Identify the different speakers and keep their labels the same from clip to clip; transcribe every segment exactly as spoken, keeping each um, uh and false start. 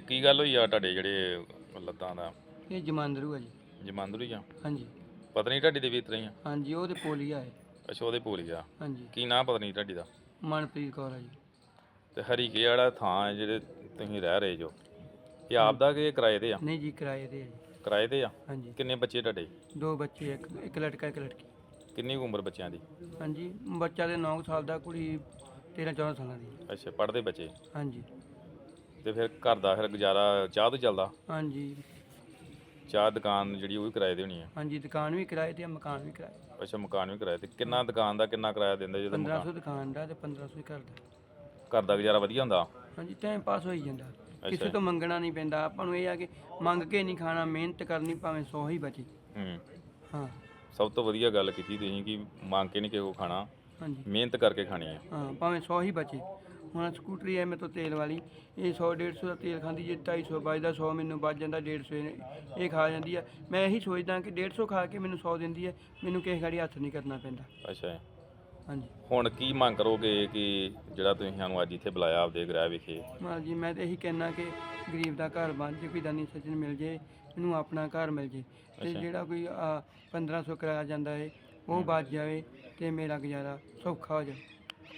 Speaker 1: ਕੀ ਗੱਲ ਹੋਈ ਆ ਤੁਹਾਡੇ ਜਿਹੜੇ ਲੱਤਾਂ ਦਾ?
Speaker 2: ਇਹ ਜਮਾਂਦਰੂ ਆ ਜੀ।
Speaker 1: ਜਮਾਂਦਰੂ ਹੀ ਆ?
Speaker 2: ਹਾਂਜੀ
Speaker 1: ਪਤਨੀ ਤੁਹਾਡੀ ਦੇ ਵੀ ਇਸ ਤਰ੍ਹਾਂ ਹੀ ਆ?
Speaker 2: ਹਾਂਜੀ, ਉਹ ਤੇ ਪੋਲੀਆ ਹੈ।
Speaker 1: ਅੱਛਾ, ਉਹਦੇ ਭੂਰੀ ਆ।
Speaker 2: ਹਾਂਜੀ,
Speaker 1: ਕੀ ਨਾਂ ਪਤਨੀ ਤੁਹਾਡੀ ਦਾ?
Speaker 2: ਮਨਪ੍ਰੀਤ ਕੌਰ ਆ ਜੀ।
Speaker 1: ਤੇ ਹਰੀਕੇ ਵਾਲਾ ਥਾਂ ਹੈ ਜਿਹੜੇ ਤੁਸੀਂ ਰਹਿ ਰਹੇ ਜੋ, ਇਹ ਆਪ ਦਾ ਕਿ ਕਿਰਾਏ ਤੇ ਆ?
Speaker 2: ਨਹੀਂ ਜੀ, ਕਿਰਾਏ ਤੇ ਆ ਜੀ।
Speaker 1: ਕਿਰਾਏ ਤੇ ਆ?
Speaker 2: ਹਾਂਜੀ,
Speaker 1: ਕਿੰਨੇ ਬੱਚੇ ਤੁਹਾਡੇ?
Speaker 2: ਦੋ ਬੱਚੇ, ਇੱਕ ਇੱਕ ਲੜਕਾ ਇੱਕ ਲੜਕੀ।
Speaker 1: ਕਿੰਨੀ ਕੁ ਉਮਰ ਬੱਚਿਆਂ ਦੀ?
Speaker 2: ਹਾਂਜੀ, ਬੱਚਾ ਦੇ ਨੌ ਸਾਲ ਦਾ, ਕੁੜੀ ਤੇਰਾਂ ਚੌਦਾਂ ਸਾਲਾਂ ਦੀ।
Speaker 1: ਅੱਛਾ, ਪੜ੍ਹਦੇ ਬੱਚੇ?
Speaker 2: ਹਾਂਜੀ
Speaker 1: ਤੇ ਫਿਰ ਘਰ ਦਾ ਫਿਰ ਗੁਜ਼ਾਰਾ ਚਾਹ ਤੋਂ ਚੱਲਦਾ?
Speaker 2: ਹਾਂਜੀ
Speaker 1: ਚਾਹ ਦੁਕਾਨ ਜਿਹੜੀ ਉਹ ਵੀ ਕਿਰਾਏ ਤੇ ਹੋਣੀ ਆ?
Speaker 2: ਹਾਂਜੀ, ਦੁਕਾਨ ਵੀ ਕਿਰਾਏ ਤੇ ਆ, ਮਕਾਨ ਵੀ ਕਿਰਾਏ ਤੇ।
Speaker 1: ਅੱਛਾ, ਮਕਾਨ ਵੀ ਕਿਰਾਏ ਤੇ। ਕਿੰਨਾ ਦੁਕਾਨ ਦਾ ਕਿੰਨਾ ਕਿਰਾਇਆ ਦਿੰਦੇ ਜਦੋਂ
Speaker 2: ਪੰਦਰਾਂ ਸੌ
Speaker 1: ਮਕਾਨ?
Speaker 2: ਦੁਕਾਨ ਦਾ ਤੇ ਪੰਦਰਾਂ ਸੌ ਹੀ ਘਰ ਦਾ।
Speaker 1: ਘਰ ਦਾ ਗੁਜ਼ਾਰਾ ਵਧੀਆ ਹੁੰਦਾ?
Speaker 2: ਹਾਂਜੀ, ਟਾਈਮ ਪਾਸ ਹੋਈ ਜਾਂਦਾ, ਕਿਸੇ
Speaker 1: ਅੱਛਾ।
Speaker 2: ਤੋਂ ਮੰਗਣਾ ਨਹੀਂ ਪੈਂਦਾ ਆਪਾਂ ਨੂੰ। ਇਹ ਆ ਕਿ ਮੰਗ ਕੇ ਨਹੀਂ ਖਾਣਾ, ਮਿਹਨਤ ਕਰਨੀ, ਭਾਵੇਂ ਸੌ ਹੀ ਬਚੇ।
Speaker 1: ਹੂੰ,
Speaker 2: ਹਾਂ
Speaker 1: ਸਭ ਤੋਂ ਵਧੀਆ ਗੱਲ ਕੀਤੀ ਤੁਸੀਂ ਕਿ ਮੰਗ ਕੇ ਨਹੀਂ ਕਿਸੇ ਕੋਲ ਖਾਣਾ,
Speaker 2: ਹਾਂਜੀ
Speaker 1: ਮਿਹਨਤ ਕਰਕੇ ਖਾਣੀ ਹੈ।
Speaker 2: ਹਾਂ, ਭਾਵੇਂ ਸੌ ਹੀ ਬਚੇ। ਹੁਣ ਸਕੂਟਰੀ ਹੈ ਮੇਰੇ ਤੋਂ ਤੇਲ ਵਾਲੀ, ਇਹ ਸੌ ਡੇਢ ਸੌ ਦਾ ਤੇਲ ਖਾਂਦੀ, ਜੇ ਢਾਈ ਸੌ ਬਚਦਾ, ਸੌ ਮੈਨੂੰ ਬਚ ਜਾਂਦਾ, ਡੇਢ ਸੌ ਇਹ ਇਹ ਖਾ ਜਾਂਦੀ ਹੈ। ਮੈਂ ਇਹੀ ਸੋਚਦਾ ਕਿ ਡੇਢ ਸੌ ਖਾ ਕੇ ਮੈਨੂੰ ਸੌ ਦਿੰਦੀ ਹੈ, ਮੈਨੂੰ ਕਿਸੇ ਗਾੜੀ ਹੱਥ ਨਹੀਂ ਕਰਨਾ ਪੈਂਦਾ।
Speaker 1: ਅੱਛਾ,
Speaker 2: ਹਾਂਜੀ
Speaker 1: ਹੁਣ ਕੀ ਮੰਗ ਕਰੋਗੇ ਕਿ ਜਿਹੜਾ ਤੁਸੀਂ ਸਾਨੂੰ ਅੱਜ ਇੱਥੇ ਬੁਲਾਇਆ ਆਪਦੇ ਗ੍ਰਹਿ ਵਿਖੇ?
Speaker 2: ਹਾਂਜੀ, ਮੈਂ ਤਾਂ ਇਹੀ ਕਹਿਣਾ ਕਿ ਗਰੀਬ ਦਾ ਘਰ ਬਣ ਜੇ, ਕੋਈ ਦਾਨੀ ਸੱਜਣ ਮਿਲ ਜੇ, ਇਹਨੂੰ ਆਪਣਾ ਘਰ ਮਿਲ ਜੇ, ਅਤੇ
Speaker 1: ਅੱਛਾ।
Speaker 2: ਜਿਹੜਾ ਕੋਈ ਪੰਦਰਾਂ ਸੌ ਕਿਰਾਇਆ ਜਾਂਦਾ ਹੈ ਉਹ ਬਚ ਜਾਵੇ, ਅਤੇ ਮੇਰਾ ਗੁਜ਼ਾਰਾ ਸੌਖਾ ਹੋ ਜਾਵੇ।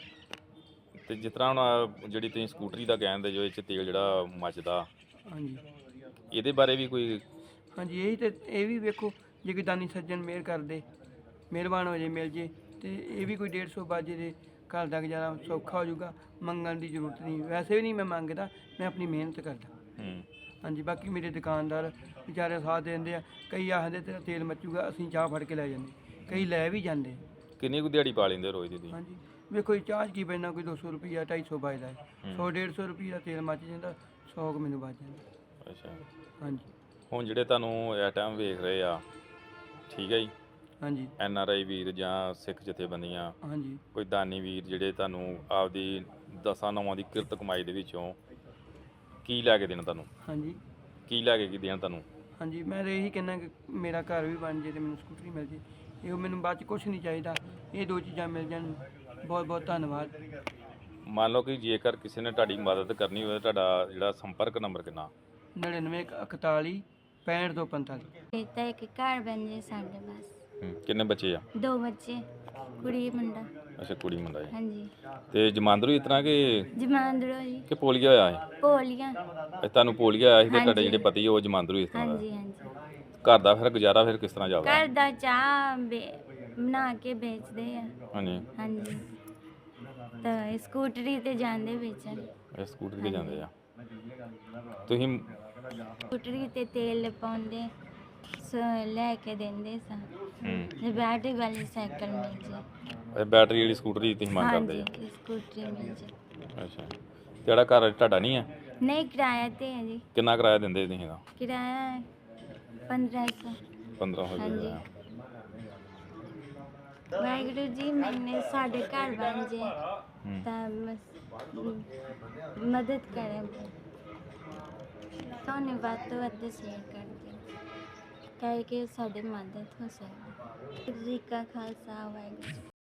Speaker 1: ਤੇ ਜਿਸ ਤਰ੍ਹਾਂ ਹੁਣ ਜਿਹੜੀ ਤੁਸੀਂ ਸਕੂਟਰੀ ਦਾ ਕਹਿੰਦੇ ਜੋ ਇਹ 'ਚ ਤੇਲ ਜਿਹੜਾ ਮੱਚਦਾ,
Speaker 2: ਹਾਂਜੀ
Speaker 1: ਇਹਦੇ ਬਾਰੇ ਵੀ ਕੋਈ?
Speaker 2: ਹਾਂਜੀ, ਇਹੀ ਤੇ ਇਹ ਵੀ ਵੇਖੋ, ਜੇ ਕੋਈ ਦਾਨੀ ਸੱਜਣ ਮਿਹਰ ਕਰਦੇ, ਮਿਹਰਬਾਨ ਹੋ ਜੇ, ਮਿਲ ਜੇ, ਤੇ ਇਹ ਵੀ ਕੋਈ ਡੇਢ ਸੌ ਬਾਜੇ ਦੇ ਘਰ ਦਾ ਗੁਜ਼ਾਰਾ ਸੌਖਾ ਹੋ ਜਾਊਗਾ। ਮੰਗਣ ਦੀ ਜ਼ਰੂਰਤ ਨਹੀਂ, ਵੈਸੇ ਵੀ ਨਹੀਂ ਮੈਂ ਮੰਗਦਾ, ਮੈਂ ਆਪਣੀ ਮਿਹਨਤ ਕਰਦਾ।
Speaker 1: ਹੂੰ,
Speaker 2: ਹਾਂਜੀ, ਬਾਕੀ ਮੇਰੇ ਦੁਕਾਨਦਾਰ ਵਿਚਾਰੇ ਸਾਥ ਦੇ ਦਿੰਦੇ ਆ। ਕਈ ਆਖਦੇ ਤੇਰਾ ਤੇਲ ਮੱਚੂਗਾ, ਅਸੀਂ ਚਾਹ ਫੜ ਕੇ ਲੈ ਜਾਂਦੇ, ਕਈ ਲੈ ਵੀ ਜਾਂਦੇ।
Speaker 1: ਕਿੰਨੀ ਕੁ ਦਿਹਾੜੀ ਪਾ ਲੈਂਦੇ ਰੋਜ਼ ਦੀ ਤੁਸੀਂ?
Speaker 2: ਹਾਂਜੀ, ਵੇਖੋ ਜੀ, ਚਾਹ 'ਚ ਕੀ ਪੈਣਾ, ਕੋਈ ਦੋ ਸੌ ਰੁਪਈਆ ਢਾਈ ਸੌ ਬਚਦਾ ਹੈ,
Speaker 1: ਹੂੰ।
Speaker 2: ਸੌ ਡੇਢ ਸੌ ਰੁਪਈਆ ਦਾ ਤੇਲ ਮੱਚ ਜਾਂਦਾ, ਸੌ ਕੁ ਮੈਨੂੰ ਬਚ ਜਾਂਦਾ।
Speaker 1: ਅੱਛਾ,
Speaker 2: ਹਾਂਜੀ
Speaker 1: ਹੁਣ ਜਿਹੜੇ ਤੁਹਾਨੂੰ ਇਸ ਟਾਈਮ ਵੇਖ ਰਹੇ ਆ, ਠੀਕ ਹੈ ਜੀ,
Speaker 2: ਹਾਂਜੀ
Speaker 1: ਐਨ ਆਰ ਆਈ ਵੀਰ ਜਾਂ ਸਿੱਖ ਜਥੇਬੰਦੀਆਂ,
Speaker 2: ਹਾਂਜੀ
Speaker 1: ਕੋਈ ਦਾਨੀ ਵੀਰ ਜਿਹੜੇ ਤੁਹਾਨੂੰ ਆਪਦੀ ਦਸਾਂ ਨੌਵਾਂ ਦੀ ਕਿਰਤ ਕਮਾਈ ਦੇ ਵਿੱਚੋਂ ਕੀ ਲੈ ਕੇ ਦੇਣ ਤੁਹਾਨੂੰ?
Speaker 2: ਹਾਂਜੀ
Speaker 1: ਕੀ ਲੈ ਕੇ ਕੀ ਦੇਣ ਤੁਹਾਨੂੰ?
Speaker 2: ਹਾਂਜੀ, ਮੈਂ ਤਾਂ ਇਹੀ ਕਹਿੰਦਾ ਕਿ ਮੇਰਾ ਘਰ ਵੀ ਬਣ ਜੇ ਅਤੇ ਮੈਨੂੰ ਸਕੂਟਰੀ ਮਿਲ ਜੇ, ਇਹੋ ਮੈਨੂੰ ਬਾਅਦ 'ਚ ਕੁਛ ਨਹੀਂ ਚਾਹੀਦਾ, ਇਹ ਦੋ ਚੀਜ਼ਾਂ ਮਿਲ ਜਾਣ, ਬਹੁਤ ਬਹੁਤ ਧੰਨਵਾਦ।
Speaker 1: ਮੰਨ ਲਓ ਕਿ ਜੇਕਰ ਕਿਸੇ ਨੇ ਤੁਹਾਡੀ ਮਦਦ ਕਰਨੀ ਹੋਵੇ, ਤੁਹਾਡਾ ਜਿਹੜਾ ਸੰਪਰਕ ਨੰਬਰ ਕਿੰਨਾ?
Speaker 2: ਨੜਿਨਵੇਂ ਇਕਤਾਲੀ ਪੈਂਹਠ ਦੋ ਪੰਤਾਲੀ।
Speaker 3: ਤਾਂ ਇੱਕ ਘਰ ਬਣ ਜੇ ਸਾਡੇ ਬਸ।
Speaker 1: ਹੂੰ, ਕਿੰਨੇ ਬੱਚੇ ਆ?
Speaker 3: ਦੋ ਬੱਚੇ, ਕੁੜੀ ਮੁੰਡਾ।
Speaker 1: ਅੱਛਾ, ਕੁੜੀ ਮੁੰਡਾ ਹੈ।
Speaker 3: ਹਾਂਜੀ,
Speaker 1: ਤੇ ਜਮਾਂਦਰੂ ਇਸ ਤਰ੍ਹਾਂ ਕਿ
Speaker 3: ਜਮਾਂਦਰੂ ਜੀ।
Speaker 1: ਕਿ ਪੋਲੀਆ ਹੋਇਆ ਹੈ?
Speaker 3: ਪੋਲੀਆਂ।
Speaker 1: ਇਹ ਤੁਹਾਨੂੰ ਪੋਲੀਆ ਆਇਆ ਸੀ ਤੇ ਤੁਹਾਡੇ
Speaker 3: ਹਾਂਜੀ।
Speaker 1: ਜਿਹੜੇ ਪਤੀ ਉਹ ਜਮਾਂਦਰੂ ਇਸ ਤਰ੍ਹਾਂ ਦਾ?
Speaker 3: ਹਾਂਜੀ ਹਾਂਜੀ।
Speaker 1: ਘਰ ਦਾ ਫਿਰ ਗੁਜ਼ਾਰਾ ਫਿਰ ਕਿਸ ਤਰ੍ਹਾਂ ਚੱਲਦਾ?
Speaker 3: ਘਰ ਦਾ ਚਾਹ ਬੇ- ਬਣਾ ਕੇ ਵੇਚਦੇ ਆ।
Speaker 1: ਹਾਂਜੀ,
Speaker 3: ਹਾਂਜੀ, ਤਾਂ ਇਹ ਸਕੂਟਰੀ ਤੇ ਜਾਂਦੇ ਵੇਚਣ।
Speaker 1: ਇਹ ਸਕੂਟਰੀ ਤੇ ਜਾਂਦੇ ਆ ਤੁਸੀਂ?
Speaker 3: ਸਕੂਟਰੀ ਤੇ ਤੇਲ ਪਾਉਂਦੇ, ਸ- ਲੈ ਕੇ ਦਿੰਦੇ ਸਾਂ।
Speaker 1: ਹੂੰ,
Speaker 3: ਜੇ ਬੈਟਰੀ ਵਾਲੀ ਸਾਈਕਲ ਮਿਲ ਜੇ।
Speaker 1: ਇਹ ਬੈਟਰੀ ਵਾਲੀ ਸਕੂਟਰੀ ਤੁਸੀਂ ਮੰਗ ਕਰਦੇ
Speaker 3: ਹਾਂਜੀ, ਸਕੂਟਰੀ ਮਿਲ ਜੇ।
Speaker 1: ਆ? ਅੱਛਾ, ਜਿਹੜਾ ਘਰ ਤੁਹਾਡਾ ਨਹੀਂ ਹੈ?
Speaker 3: ਨਹੀਂ, ਕਿਰਾਇਆ ਤੇ ਹੈ ਜੀ।
Speaker 1: ਕਿੰਨਾ ਕਿਰਾਇਆ ਦਿੰਦੇ ਤੁਸੀਂ ਇਹਦਾ?
Speaker 3: ਕਿਰਾਇਆ ਪੰਦਰਾਂ ਸੌ।
Speaker 1: ਪੰਦਰਾਂ ਸੌ
Speaker 3: ਹਾਂਜੀ।
Speaker 1: ਰੁਪਇਆ।
Speaker 3: ਵਾਹਿਗੁਰੂ ਜੀ, ਮੈਨੇ ਸਾਡੇ ਘਰ ਬਣ ਜੇ
Speaker 1: ਹੂੰ,
Speaker 3: ਤਾਂ ਮਸ- ਮਦਦ ਕਰੇ। ਤੁਹਾਨੂੰ ਵੱਧ ਤੋਂ ਵੱਧ ਸ਼ੇਅਰ ਕਰ ਦਿਓ ਤਾਂ ਕਿ ਸਾਡੀ ਮਦਦ ਹੋ ਸਕੇ। ਜੀ ਕਾ ਖਾਲਸਾ, ਵਾਹਿਗੁਰੂ ਜੀ।